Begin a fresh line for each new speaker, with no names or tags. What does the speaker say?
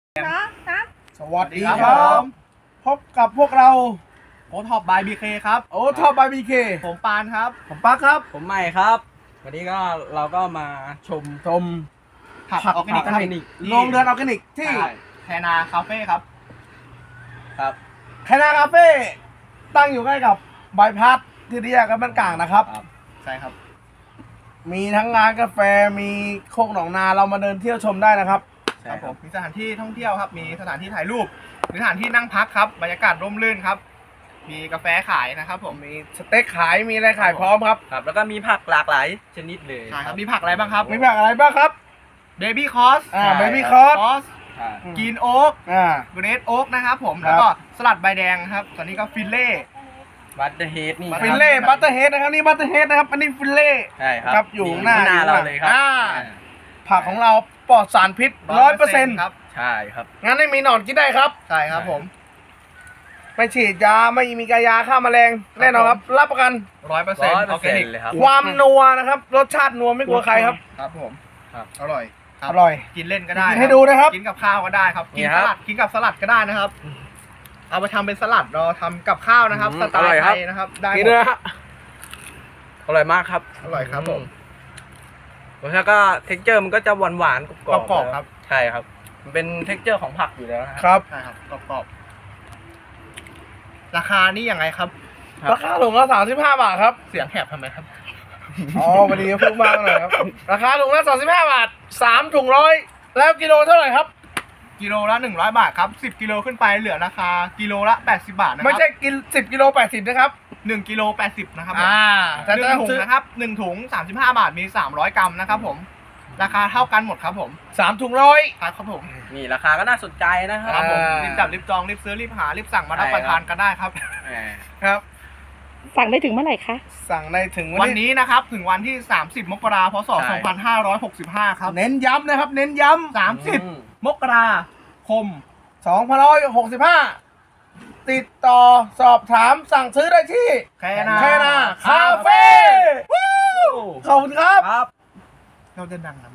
สวัสดีครับพบกับพวกเรา
โอท็อปบายบีเคครับ
โอ้ท็อปบายบีเค
ผมปานครับ
ผมปักครับ
ผมใหม่ครับ วันนี้ก็เราก็มาชม
ผักออร์แกนิก
ผั
ครับ
โรงเรือนออร์แกนิกที่
แคนาคาเฟ่ครับ
ครับ
แคนาคาเฟ่ตั้งอยู่ใกล้กับบายพาสที่แยกกันบ้านกลางนะครับ
ใช่ครับ
มีทั้งร้านกาแฟมีโคกหนองนาเรามาเดินเที่ยวชมได้นะครับ
ครับผมมีสถานที่ท่องเที่ยวครับ มีสถานที่ถ่ายรูปมีสถานที่นั่งพักครับบรรยากาศร่มรื่นครับ มีกาแฟขายนะครับผม
มีสเต็กขายมีอะไรขายพร้อมครับ
ครับ แล้วก็มีผักหลากหลายชนิดเลย
ใช่ครับมีผักอะไรบ้างครับ
มีผักอะไรบ้างครับ
เบบี้คอส
เบบี้คอร์ส
คอส
อ่า
กินโอ๊ก เกรดโอ๊กนะครับผม
ครับ
แล้วก็สลัดใบแดงครับตอนนี้ก็ฟิลเล่
บัตเตอร์เฮดนี่
ฟิลเล่บัตเตอร์เฮดนะครับนี่บัตเตอร์เฮดนะครับอันนี้ฟิลเล่
ใช่ครับ
ครับอยู่หน้า
เราเลยครับ
ผักของเราปลอดสารพิษ 100%
ครับ
ใช่ครับ
งั้นไม่มีหนอนกินได้ครับ
ใช่ครับผม
ไม่ฉีดยาไม่มีกายาฆ่าแมลงแน่นอนครับ รับประกัน
100%ออร์แกนิก
เลยครับ
ความนัวนะครับ รสชาตินัวไม่กลัวใครครับ
ครับผม
ครับ
อร่อยคบ
อร่อย
กินเล่นก็ได้
กินให้ดูนะครับ
กินกับข้าวก็ได้ครับ
นี่
กิน
ครั
ส
บ
ลัดกินกับสลัดก็ได้นะครับ เอาไปทำเป็นสลัดเราทำกับข้าวนะครับ สไต
อร่อย
ล์
ค
ไท
รับ
ยนะครับ ได้ห
กิน
ม
เลย
ด
นะฮะ
อร่อยมากครับ
อร่อยครับผม
รสชาติก็เท็กเจอร์มันก็จะหวานหวานๆกรอบ
กรอบๆครับ
ใช่ครับ มันเป็นเท็กเจอร์ของผักอยู่แล้วนะ
ค
ครับ
รับ
ใช่ครับกรอบๆราคานี่ยังไงครับ
ราคาถุงละ35 บาทครับ
เสียงแหบทำไมครับ
อ๋อวันนี้พูดมากหน่อยครับ ราคาถุงละ35 บาท3ถุงร้อยแล้วกิโลเท่าไหร่ครับ
กิโลละ100 บาทครับ10 กิโลขึ้นไปเหลือราคากิโลละ80 บาทนะค
ไม่
รับ
ใช่กิน10 กิโล 80 นะครับ
1 กิโล80นะครับ
แต่
หนึ่
ถ้าง
ถุง
ซื้อ
นะครับ1ถุง35 บาทมี300 กรัมนะครับผม ราคาเท่ากันหมดครับผม
3ถุงร้อย
ครับผม
นี่ราคาก็น่าสนใจนะค
ค
รั
รั
บบ
ผม
อ่า
รีบจับรีบจองรีบซื้อรีบหารีบสั่งมารับ
ใช่
ประทานกันได้ครับ
แหม
ครับ
สั่งได้ถึงเมื่อไหร่คะ
สั่งในถึง
วั
วัน นนี้
นี้นะครับถึงวันที่ 30 มกราคม พศ 2565 ครับ
เน้นย้ำนะครับ เน้นย้ำ
30 มกราคม
2565 ติดต่อสอบถามสั่งซื้อได้ที่
แคนา
แคนาคาเฟ่ขอบคุณครับ
ครับ
เราจะดังนะ